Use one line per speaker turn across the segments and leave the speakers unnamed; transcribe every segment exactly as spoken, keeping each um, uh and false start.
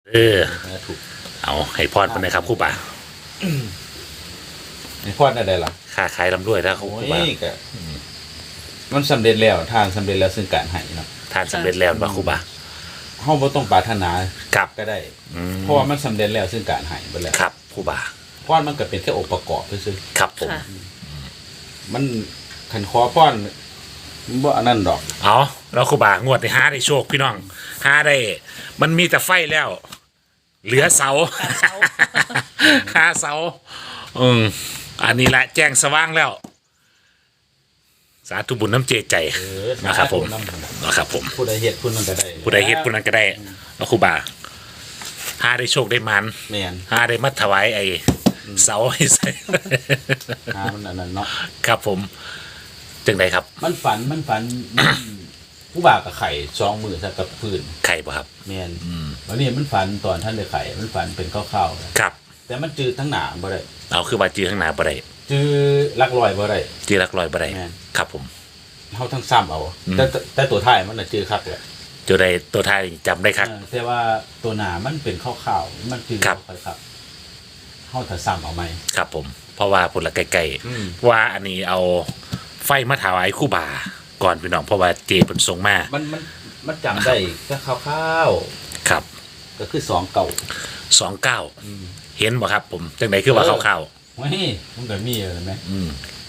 เออ
ถูก
เอาให้พรไปนะครับครูบา
ในพอดอะไรล่ะ
ค้าขายลำด้วยแล้วครู
โอ้
บาย
ก็มันสำเร็จแล้วทางสำเร็จแล้วซึ่งการให้เนาะ
ทานสำเร็จแล้วป่ะครูบา
เฮาบ่ต้องปรารถนา
ครับ
ก็ได้
อืม
เพราะว่ามันสำเร็จแล้วซึ่งการให้ไปแล้ว
ครับครูบา
พรมันก็เป็นแค่องค์ประกอบซื่อ
ครับผม
ค่ะ
ๆมันคันขอพรมันบ่อันนั้นดอก
เอาแล้วครูบางวดที่ห้าได้โชคพี่น้องห้าได้ มันมีแต่ไฟแล้ว เหลือเสา
เสา
ห้าเสาอืมอันนี้แหละแจ้งสว่างแล้ว สาธุบุญน้ำเจใจ
เออ
นะครับผม
นำ
นะครับผม
ผู้ใดเฮ็ดผู้นั้นก็ได้
ผู้ใดเฮ็ดผู้นั้นก็ได้แล้วครูบาห้าได้โชคได้มัน
แม่น
ห้าได้มัดถวายไอ้เสาให้ใส่
หามันอันนั้นเนาะ
ครับผมจึงไดครับ
มันฝันมันฝันมันผู้บ่าวกับไข่สองมือซะกับพื้น
ไข่ป่ะครับ
แม่นวันนี้มันฝันตอนท่านได้ไข่มันฝันเป็นข้าวๆนะครับ แต่มันจืดทั้งหนาบ่ได้
เอาคือว่าจื้อข้างหน้าบ่ได้
จือลักลอยบ่ได้
จื้อหลักลอยบ่ได้
แม่น
ครับผม
เฮาทั้งซ้ำเอาแต่แต่แต่ตัวท้ายมันน่ะจือคักแหละ
จุดใดตัวท้ายจำได้ครับ
เออแต่ว่าตัวหนามันเป็นข้าวๆมันจือ
ครับ
ค่อยครับเฮาถ้าซ้ำเอาไหม
ครับผม เพราะว่าผลละไกล
อืม
ๆว่าอันนี้เอาไฟมาถวายครู่บาก่อนพี่น้องเพราะว่าเจเป็นทรงมา
มันมันมันจำได้แค่ข้าว
ครับ
ๆก็คือสองเก่า
สองเก้าเห็นบ่ครับผมจังไดคือว่าเข้าว
เฮ้ยมันก็มีอะไรไหม
ๆอืม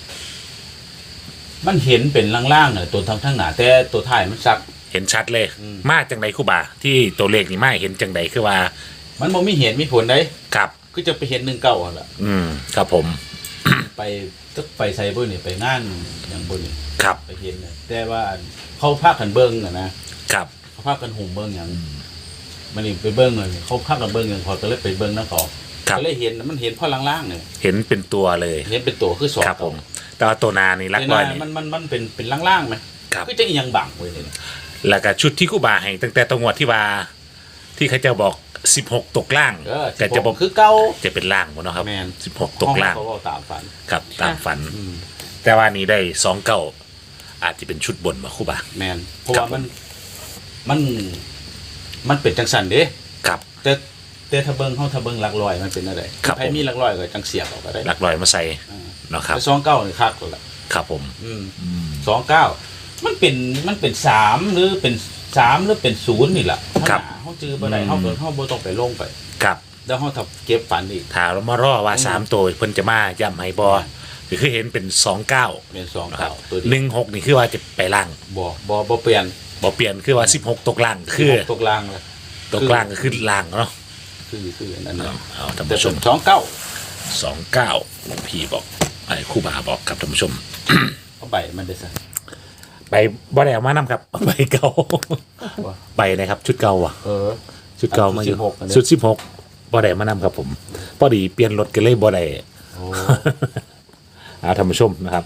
มันเห็นเป็นล่างๆน่ะตัวทางทางหนาแต่ตัวท้ายมันซัก
เห็นชัดเลย
อืม
มาจังไดครู่บาที่ตัวเลขนี่มาเห็นจังไดคือว่า
มันบ่มีเหตุมีผลได้
ครับ
ก็จะไปเห็นหนึ่งเก่าหั่นล่ะ
อืมครับผม
ไปก็ไปไซเบอร์นี่ไปงานอย่างบนนี่
ครับ
ไปเห็นน่ะแต่ว่าเขาพากันเบิ้งอะนะครับ เขาพากันหุ่มเบิ้งอย่างมันนี่ไปเบิ้งเลยเขาพากันเบิ้งอย่างพอก็เลยไปเบิ้งน้ำเขา
ครับ
ก็เลยเห็นมันเห็นพ่อล่างๆเนี่ย
เห็นเป็นตัวเลย
เห็นเป็นตัวคือสอง
ครับผม แต่ว่าตัวนานี่ลัก
แต่
ลอย
น่ะ
นี่
มันมันมันเป็นเป็นล่างๆไหม
ครับ
คือจะอีหยังบังไว้เลยเนี่ย
แล้วก็ชุดที่ครู่บาให้ตั้งแต่ตรงวดที่ว่าที่เขาจะบอกสิบหกตกล่าง
เออ
ก็จะบอก
คือเก่า
จะเป็นล่างหมดเนาะครับ
แมน
สิบหกตกล่าง
เขาเอาตามฝัน
ครับตามฝัน
อืม
แต่ว่านี้ได้สองเก้าอาจจะเป็นชุดบนมาครู่บา
แมนเพราะ
ครั
ว่า
บ
มันมันมันเป็นจังสันเด้
ครับ
แต่แต่ถ้าเบิ้งเขาถ้าเบิ้งหลักลอยมันเป็นอะไร
ครับ
ใครมีหลักลอยก็จังเสียบออกก็ได้
ลักลอยมาใส่
อ่า
เนาะครับ
แต่สองเก้านี่คักกว่าละ
ครับผม
อืมสองเก้ามันเป็นมันเป็นสามหรือเป็นสามหรือเป็นศูนย์นี่แหละ
ครับ
เขาจือบ่ได้เขาเกิดเขาบ่ต้องไปลงไป
ครับ
แล้วเขาทับเก็บฝันอีก
ถ้าเรามารอว่าสามตัวเพิ่นจะมาย่ำให้บอก็คือเห็นเป็นสองเก้า
เป็นสอง
นะครั
เก้า
บ
ตัว
ห
เดียว
นึ่งหกนี่คือว่าจะไปล่าง
บ่บ่บ่เปลี่ยน
บอเปลี่ยนคือว่าสิบหกตกล่างคือ
ตกลางเลย
ตกล่างก็คือล่างเนาะ
คือคืออันนั้น
เอา
นะ
เอาท่าน
แต่
ผู้ช
เป็
ม
นสองเก้า
สองเก้าพี่บอกไอ้ครู่บาบอกครับท่านผู้ชม
เอาใบมันได้ซะ
ใบบ่ได้เอามานำครับ ใบเก่า
ว่า
ใบนะครับ ชุดเก่าอ่ะ
เออ
ชุดเก่ามาอยู่
ชุดสิบหกอันนี้
ชุดสิบหกบ่ได้มานำครับผมพอดีเปลี่ยนรถกันเลยบ่ได้
โอ้
เอาท่านผู้ชมนะครับ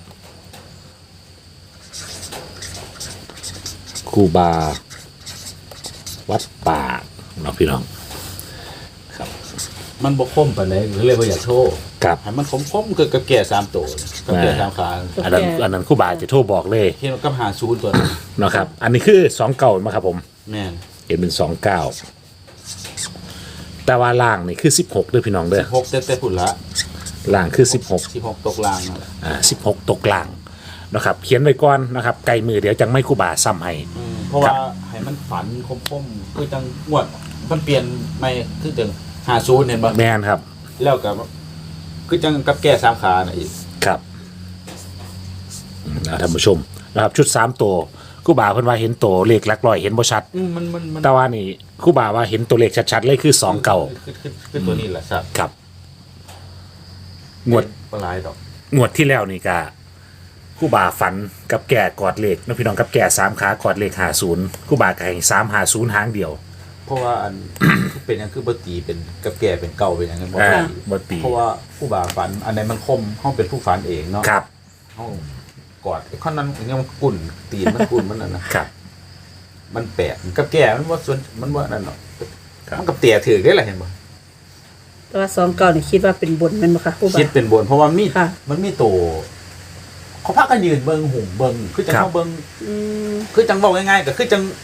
ครูบา วัดป่าเนาะพี่น้องครับ
มันบ่คมปานใดก็เลยบ่อยากโทษ
กับ
ให้มันคมๆคือกับแก่สามตัวกับแก่สามขา
อันนั้นอันนั้นครูบาจะโทรบอกเลย
เห็นกับหาศูนย์ตัวนั้น
เนาะครับ อันนี้คือสองเก่ามาครับผม
แม่น
เห็นเป็นสองเก้าแต่ว่าล่างนี่คือสิบหกด้วยพี่น้องเด้อ
สิบหกแต่แต่พุ่นละ
ล่างคือสิบหก
สิบหกตกลางนั่นแหละ
อ่าสิบหกตกล่างนะครับ เขียนไว้ก่อนนะครับไกลมือเดี๋ยวจังไม่ครูบาซ้ำให้
อืมเพราะว่าให้มันฝันคมๆคือจังงวดมันเปลี่ยนไม่คือจังหาศูนย์เห็นบ่
แมนครับ
แล้วก็คือจังกับแก่สามขาน่ะอีก
ครับอืมเอาท่านผู้ชมนะครับ ชุดสามตัวครูบาเพิ่นว่าเห็นตัวเลขหลักร้อยเห็นบ่ชัด
อืมมันมันมัน
แต่ว่านี่ครูบาว่าเห็นตัวเลขชัดๆเลยคือสองเก่า
คือคือคือตัวนี้แหละครับ
ครับงวด
ปลายดอก
งวดที่แล้วนี่ก็ครู่บาฝันกับแก่กอดเหล็กน้องพี่น้องกับแก่สามขากอดเหล็กหาศูนย์ครู่บาไก่สามหาศูนย์หางเดียว
เพราะว่าอัน คือเป็นหยังคือบ่ตีเป็นกับแก่เป็นเก่าเป็นหยังกันบ่
อ่า
ตี
บ่ตี
เพราะว่าผู้บ่าฝันอันไหนมันคมเฮาเป็นผู้ฝันเองเนาะ
ครับ
เฮากอดไอ้ข้อนั้นอย่างเงี้ยมันกุ่นตีนมันกุ่นมันนั่นนะครับ มันแปลกกับแก่มันว่าส่วนมันว่านั่นเนาะ
ครับ
มันกับเตี่ยถือได้ล่ะเห็นบ่
แต่ว่าสองเก่านี่คิดว่าเป็นบนแมันบ่คะผู้บ่า
คิดเป็นบนเพราะว่ามี
ค่ะ
มันมีตัวเขาพากันยืนเบิ่งหุ่มเบิ่งคือจังเฮาเบิ่ง
อืม
คือจังบอกง่ายๆก็คือจัง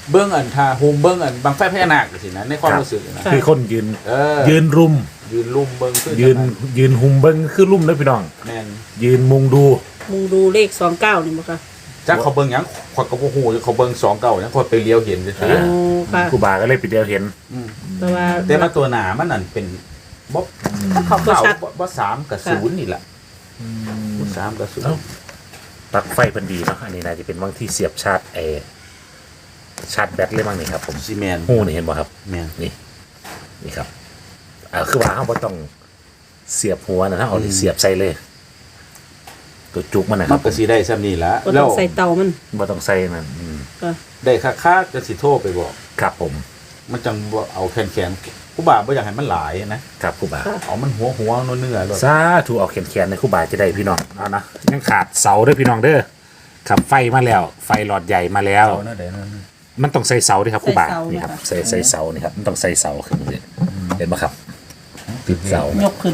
เบิ้งอันทาโฮมเบิ้งอันบางไฟพญานาคสินะในความรู้สึกนะ
คือคนยืน
เออ
ยืนรุม
ยืนลุ่มเบิ้งคือ
ยืนยืนหุมเบิ้งคือลุ่มเลยพี่น้อง
แม่น
ยืนมุงดู
มุงดูเลขสองเก้านี่บ่ค่ะ
จักเขาเบิ้งหยังขอยก็บ่ฮู้เขาเบิ้งสองเก้าหยังขอยไปเลี้ยวเห็นซื่อ
โอ้ค่ะ
ครูบาก็เลยไปเดียวเห็น
ๆอืม
แต่ว่า
แต่มาตัวหนามันนั่นเป็นบ่
เขาก็
เก้า
ชัด
บ่บ่สามกับศูนย์นี่แหละบ่สามกับศูน
เอ้า
ย์
ปลั๊กไฟเพิ่นดีเนาะอันนี้น่าจะเป็นบางที่เสียบชาร์จไอชาร์จแบตเลยมั้งนี่ครับผม
ซีแมน
หูนี่เห็นบ่ครับ
แม่น
นี่นี่ครับอ่าคือว่าเฮาบ่ต้องเสียบหัวนะฮะเอาที่เสียบใส่เลย ตัวจุกมันนะค
มั
รั
น
บ
ก็สิได้ซ้ำนี่ละ
ก็
แล้
ต้อ
ว
งใส่เตามัน
บ่ต้องใส่นั่นอืม
ค่ะ
ได้ค่าๆจะสิโทรไปบอก
ครับผม
มันจังบ่เอาแขนๆผู้บ่าวบ่อยากให้มันหลายนะครับ
ครูบา
เอามันหัวหัวๆเนื้อๆเลย
สาธุเอาแขนๆในครูบาจะได้พี่น้องเอานะยังขาดเสาเด้อพี่น้องเด้อครับไฟมาแล้ว ไฟหลอดใหญ่มาแล้ว
เอานั่นได้นั่น
มันต้องใส่เสาด้วยครับครูบา
ใส่เสา
นี่ครับ
นะคะ
ใส่ใส่เสานี่ครับมันต้องใส่เสาขึ้นเลยเห็นไหมครับติดเสาย
กขึ้น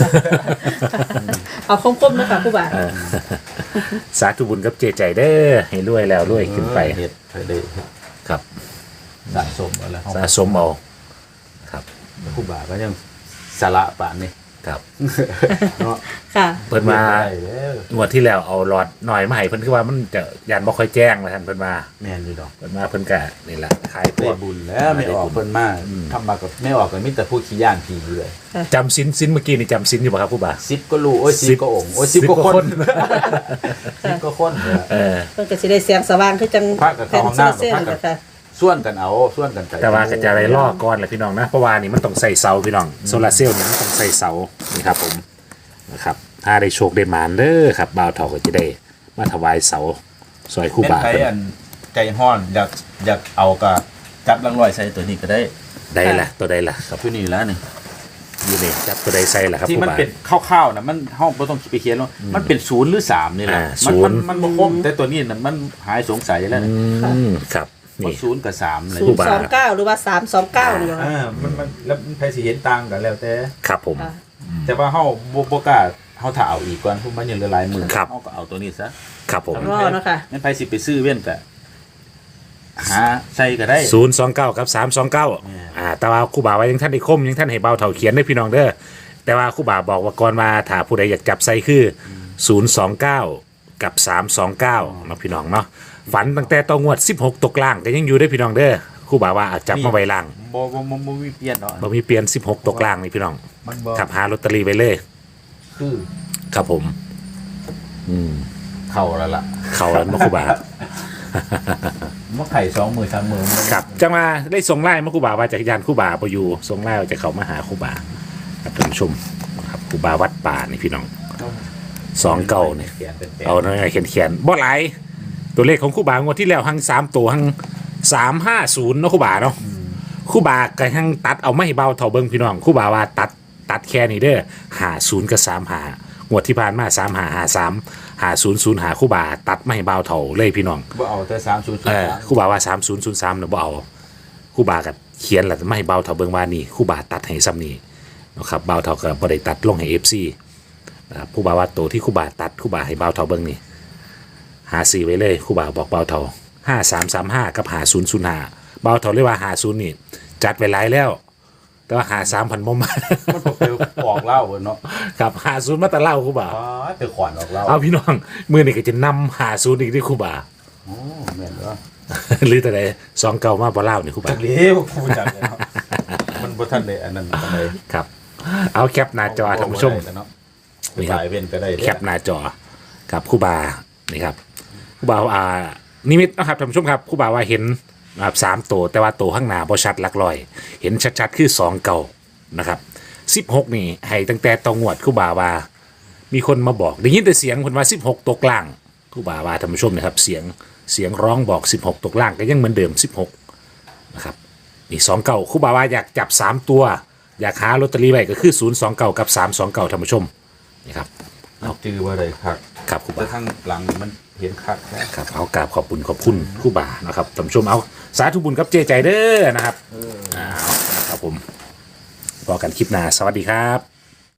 เอาคมๆนะคะผู้บ่าว
เออสาธุบุญกับเจใจเด้อให้รวยแล้วรวยขึ้นไป
เฮ็ดไปได้เฮ็ด
ครับ
สะสมเอาแล้ว
สะสมเอาครับ
ผู้บ่าวก็ยังสาระปานนี้
ครับ
เนาะ
ค่ะ
เพิ่นมา
ได้แล้ว
งวดที่แล้วเอาหลอดหน่อยมาให้เพิ่นคือว่ามันจะยันบ่ค่อยแจ้งนะท่านเพิ่นมา
แม่นอยู่ดอก
เพิ่นมาเพิ่นก็นี่แหละขายพ
ได้
วก
บุญแล้วไม่ออกเพิ่นมาทำมากับไม่ออกก็มีแต่ผู้ขี้ย่านผีอยู่เลย
จำสินสินเมื่อกี้นี่จำสินอยู่ป่ะครับผู้บ่า
สิบก็รู้โอ้ย
สิ
สิ
บ
บก็องค์โอ้ย
สิ
สิ
บบ
ก็
กว่า
ค
คน น
สิบก็คนเถอะ
เออ
เพิ่นก็สิได้แสงสว่างคือจัง
พระกับ
แผ่น
เข้าห้อง
โซลา
น้ำ
เซลล์
พระ
นี่
กับ
แหละค่ะ
ส่วนกันเอาส่วนกันไป
แต่ว่าก็จะอะไรล่อก่อนแหละพี่น้องนะเพราะว่านี่มันต้องใส่เสาพี่น้องโซลาร์เซลล์นี่มันต้องใส่เสานี่ครับผมนะครับถ้าได้โชคได้หมานเด้อครับบ่าวเฒ่าก็จะได้มาถวายเสาซอยคู่
เป็น
บ่า
ใคร
เพิ่น
อันใจห้อนอยากอยากเอากะจับลังลอยใส่ตัวนี้ก็ได้
ได้ละตัวใดล่ะครับ
ตัวนี้แล้วนี่
อยู่นี่จับตัวใดใส่ล่ะครับ
ที่
คู่
มัน
บ่า
เป็นคร่าวๆนะมันห้องไม่ต้องไปเขียนว่ามันเป็นศูนย์หรือสามนี่แหละ
อ่า
มัน
ศู
มัน
นย์
มันบ่ครบแต่ตัวนี้น่ะมันหายสงสัยแล้ว
อื
นะ
มครับ
ว่า
นี่
ศูนย์กับสามเลย
ศูนย์สองเก้าหรือว่าสามสองเก้านี่บ่คะ
อ่ามันมันแล้วมันใครสิเห็นต่างกันแล้วแต่
ครับผม
ค่ะ
แต่ว่าเฮาบ่บ่กล้าเฮาถ้าเอาอีกก่อนเพราะมันยังเหลือหลายหมื่น
ครับ
เฮาก็เอาตัวนี้ซะ
ครับผม
รอเนาะค่ะ
งั้นไปสิไปซื้อเว้นแต่หาใส่ก็ได้
ศูนย์สองเก้ากับสามสองเก้า
เนี่ย
อ่าแต่ว่าครู่บ่าว่ายังท่านได้คมยังท่านให้เบาเท่าเขียนได้พี่น้องเด้อแต่ว่าครู่บ่าบอกว่าก่อนมาถ้าผู้ใดอยากจับใส่คือศูนย์สองเก้ากับสามสองเก้าเนาะพี่น้องเนาะฝันตั้งแต่ตองวดสิบหกตกล่างก็ยังอยู่ได้อพี่น้องเด้อครู่บ่าว่าอาจจับมาไว้ล่าง
บ่บ่บ่บ่มีเปลี่ยนดอก
บ่มีเปลี่ยนสิบหกตกล่างนี่พี่น้อง
มันบ่
ขับหาลอตเตอรี่ไปเลย
คือ
ครับผม อืม
เข้าแล้วล่ะ
เขาแล้วมาครู่บ่า
มันไข่สองมือสามมือมัน
ครับจังมาได้ส่งไล่มาครู่บ่าว่าจากยานครู่บ่าไปอยู่ส่งไล่ว่าจะเขามาหาครู่บ่าครับท่านผู้ชมครับครู่บ่าวัดป่านี่พี่น้องสองเก้านี่
เขียนเป็นแปด
เอาหน่อยเขียนเขียนบ่หลายตัวเลขของครู่บ่างวดที่แล้วหังสามตัวหังสามห้าศูนย์เนาะครู่บ่าเนาะครู่บ่าก็หังตัดเอาไม่เบาเท่าเบิ้งพี่น้องครู่บ่าว่าตัดตัดแค่นี้เด้อหาศูนย์กับสามหางวดที่ผ่านมาสามหาหาสามหาศูนย์ศูนย์หาครู่บ่าตัดไม่เบาเท่าเลยพี่น้อง
บ่เอาแต่สามศูนย์ศูน
เอ
ย์
อ
สาม
ครู่บ่าว่าสามศูนย์ศูนย์สามเนาะบ่เอาครู่บ่ากับเขียนแหละไม่เบาเท่าเบิ้งว่านี่ครู่บ่าตัดให้ซ้ำนี่นะครับเบาเท่ากับบ่ได้ตัดลงให้เอฟซีนะครับครู่บ่าว่าตัวที่ครู่บ่าตัดครู่บ่าให้เบาเท่าเบิ้งนี่ หาสี่ไว้เลยครู่บ่าวบอกเบาเท่าห้าสามสามห้ากับหาศูนย์ศูนย์ห้าเบาเท่าเรียกว่าหาศูนย์นี่จัดไว้หลายแล้ว แต่ว่าหาสามพันบ่มา
มันบ่เคยออกเหล้าเนาะ
ครับหาศูนย์มาแต่เล่าครู่บ่าว
อ๋อแต่ขวานออกเหล้า
เอาพี่น้องมือนี่ก็จะนำหาศูนย์อีกที่ครู่บ่าว
อ๋อแม่นบ่
หรือแต่ใดสองเก่ามาบ่เล่านี่ครู่บ่า
จั
ว
กเลี้ยวกูจักเลยเนาะมันบ่ทันได้อันนั้นปานใด
ครับ เอาแคปหน้าจอท่านผู้ชม
เนาะ
นี่ครับ
สายเว้นก็ได้
แคปหน้าจอกับครู่บานี่ครับครู่บาอ่านิมิตนะครับท่านผู้ชมครับครู่บาว่าเห็นนะครับสามตัวแต่ว่าตัวข้างหน้าบ่ชัดหลักลอย เห็นชัดๆคือสองเก่านะครับสิบหกนี่ให้ตั้งแต่ตองวดครู่บาว่ามีคนมาบอกได้ยินแต่เสียงคนว่าสิบหกตกล่างครู่บาว่าท่านผู้ชมนะครับเสียงเสียงร้องบอกสิบหกตกล่างก็ยังเหมือนเดิมสิบหกนะครับนี่สองเก่าครู่บาว่าอยากจับสามตัว อยากหาลอตเตอรี่ไว้ก็คือศูนย์สองเก่ากับสามสองเก่าท่านผู้ชมนี่ครับ
เอาจื้อว่าได้คัก
ครับครู
แต่
บา
ข้างหลังมันเห็นคักแล้ว
ครับเอากราบขอบคุณขอบคุณครูบานะครับท่านผู้ชมเอาสาธุบุญกับเจใจเด้อนะครับเอานะครับผมพอกันคลิปหน้าสวัสดีครับ